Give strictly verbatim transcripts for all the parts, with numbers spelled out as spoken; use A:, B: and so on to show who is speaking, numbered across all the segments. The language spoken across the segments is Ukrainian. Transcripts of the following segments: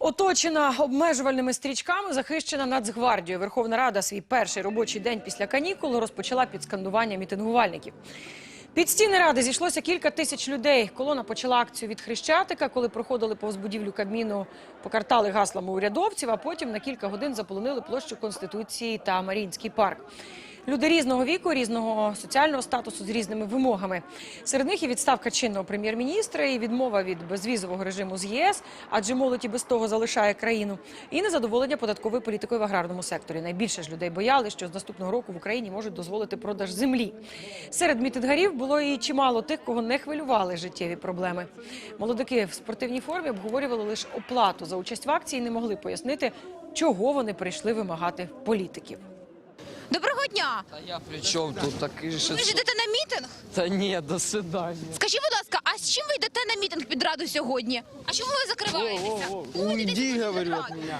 A: Оточена обмежувальними стрічками, захищена Нацгвардією. Верховна Рада свій перший робочий день після канікул розпочала під скандування мітингувальників. Під стіни Ради зійшлося кілька тисяч людей. Колона почала акцію від Хрещатика, коли проходили повз будівлю Кабміну, покартали гаслами урядовців, а потім на кілька годин заполонили площу Конституції та Маріїнський парк. Люди різного віку, різного соціального статусу, з різними вимогами. Серед них і відставка чинного прем'єр-міністра, і відмова від безвізового режиму з ЄС, адже молодь і без того залишає країну, і незадоволення податковою політикою в аграрному секторі. Найбільше ж людей бояли, що з наступного року в Україні можуть дозволити продаж землі. Серед мітингарів було і чимало тих, кого не хвилювали життєві проблеми. Молодики в спортивній формі обговорювали лише оплату за участь в акції і не могли пояснити, чого вони прийшли вимагати політиків.
B: Доброго дня!
C: Та я при чому тут такий же?
B: Ви ж йдете на мітинг?
C: Та ні, до свидання.
B: Скажіть, будь ласка, а з чим ви йдете на мітинг під Раду сьогодні? А чому ви закриваєтеся?
C: Уйди, говорю, от мене.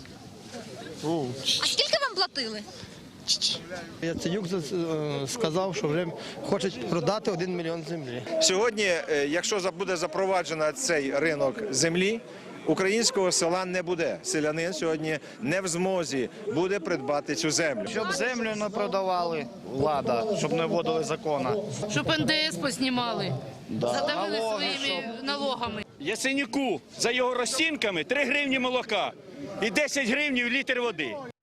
B: А скільки вам платили?
D: Яценюк сказав, що вже хоче продати один мільйон землі.
E: Сьогодні, якщо буде запроваджено цей ринок землі, українського села не буде. Селянин сьогодні не в змозі буде придбати цю землю.
F: Щоб землю не продавали, влада, щоб не вводили закону.
G: Щоб ен де ес поснімали,
F: Да.
G: задавили
F: Налоги,
G: своїми налогами.
H: Яценюку за його розцінками три гривні молока і десять гривень літр води.